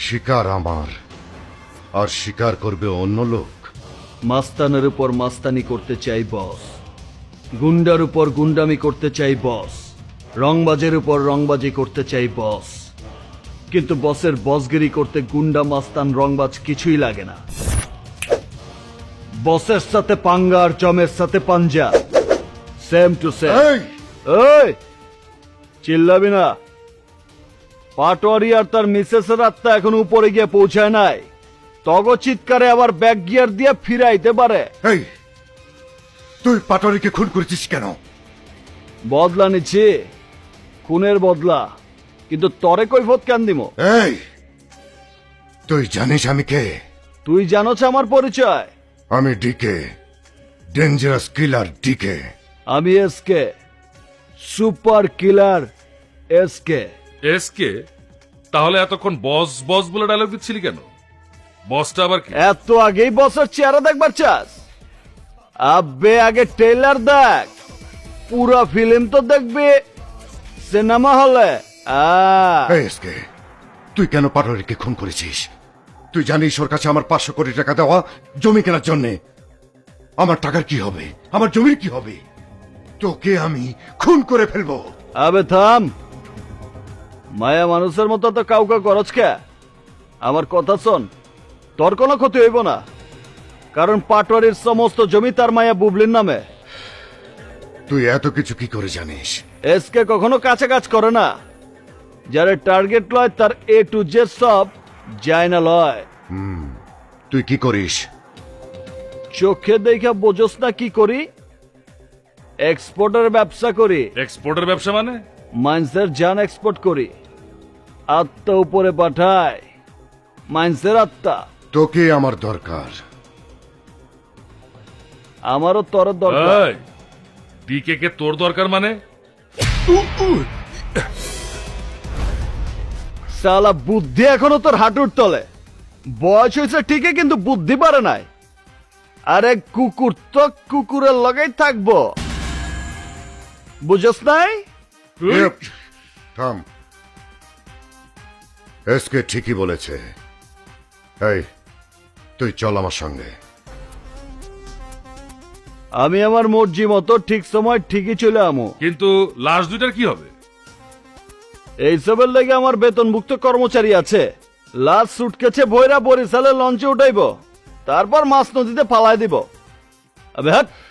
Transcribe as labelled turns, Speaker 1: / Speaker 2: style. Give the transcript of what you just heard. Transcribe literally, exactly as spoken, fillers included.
Speaker 1: শিকার আমার, আর শিকার করবে অন্য লোক।
Speaker 2: মাস্তানের উপর মাস্তানি করতে চাই বস, গুন্ডার উপর গুন্ডামি করতে চাই বস, রংবাজের উপর রংবাজি করতে চাই বস। কিন্তু বসের বসগিরি করতে গুন্ডা মাস্তান রংবাজ কিছুই লাগে না। বসের সাথে পাঙ্গা আর জমের সাথে পাঞ্জা, সেম টু সেম।
Speaker 1: এই
Speaker 2: এই চিল্লাবি না। পাটোয়ারি আর তার মিসেসের আত্মা এখন উপরে গিয়ে পৌঁছায় নাই। তগ চিৎকারে আবার ব্যাক গিয়ার দিয়ে ফিরাইতে পারে।
Speaker 1: এই তুই পাটরিকে খুন করেছিস কেন?
Speaker 2: বদলা নিচ্ছি, খুনের বদলা। কিন্তু তরে কৈফত কেন দিব?
Speaker 1: এই তুই জানিস আমি কে?
Speaker 2: তুই জানোছ আমার পরিচয়?
Speaker 1: আমি ডিকে, ডেঞ্জারাস কিলার ডিকে।
Speaker 2: আমি SK, super killer SK.
Speaker 3: SK? তাহলে এতক্ষণ বস বস বলে ডায়লগ দিচ্ছিলি কেন? বসটা আবার কি?
Speaker 2: এত আগেই বসের চেহারা দেখবার চাস? আব্বে আগে ট্রেলার দেখ, পুরো ফিল্ম তো দেখবি সিনেমা হলে। আহ
Speaker 1: এই এসকে, তুই কেন পাটরিকে খুন করেছিস? তুই জানিস ওর কাছে আমার পাঁচশো কোটি টাকা দেওয়া জমি কেনার জন্যে। আমার টাকার কি হবে? আমার জমির কি হবে? তোকে আমি খুন করে ফেলবো।
Speaker 2: আবে থাম, মায়া মানুষের মতো তো কাউকে করছ কে? আমার কথা শোন, তোর কোনো ক্ষতি হইব না, কারণ পাটোয়ারির সমস্ত জমি তার মায়া বুবলির নামে।
Speaker 1: তুই এত কিছু কি করে জানিস?
Speaker 2: এসকে কখনো কাছে কাজ করে না। যারা টার্গেট লয় তার এ টু জেড সব যায় না লয়।
Speaker 1: তুই কি করিস?
Speaker 2: চোখে দেখা বোঝস না কি করি? এক্সপোর্টের ব্যবসা করি।
Speaker 3: এক্সপোর্টের ব্যবসা মানে?
Speaker 2: মাইন্সের জান এক্সপোর্ট করি, আত্মা উপরে পাঠায়। মাইন্সের আত্মা।
Speaker 1: তোকে আমার দরকার।
Speaker 2: আমারও তোর দরকার।
Speaker 3: এই, ডিকে কে তোর দরকার মানে?
Speaker 2: সালা বুদ্ধি এখনো তোর হাঁটুর তলে। বয়স হয়েছে ঠিকই, কিন্তু বুদ্ধি পারে নাই। আরে কুকুর তো কুকুরের লগেই থাকবো, বুঝস নাই?
Speaker 1: ইপ, থাম। এসকে ঠিকই বলেছে। এই তুই চল আমার সঙ্গে।
Speaker 2: আমি আমার মর্জি মতো ঠিক সময় ঠিকই চলে আমো।
Speaker 3: কিন্তু লাশ দুইটার কি হবে?
Speaker 2: এইসবের লেগে আমার বেতনভুক্ত কর্মচারী আছে। লাস্ট সুটকেছে ভৈরা বরিশালে লঞ্চে উঠাইব, তারপর মাছ নদীতে ফালাই দিব। আবে হাট।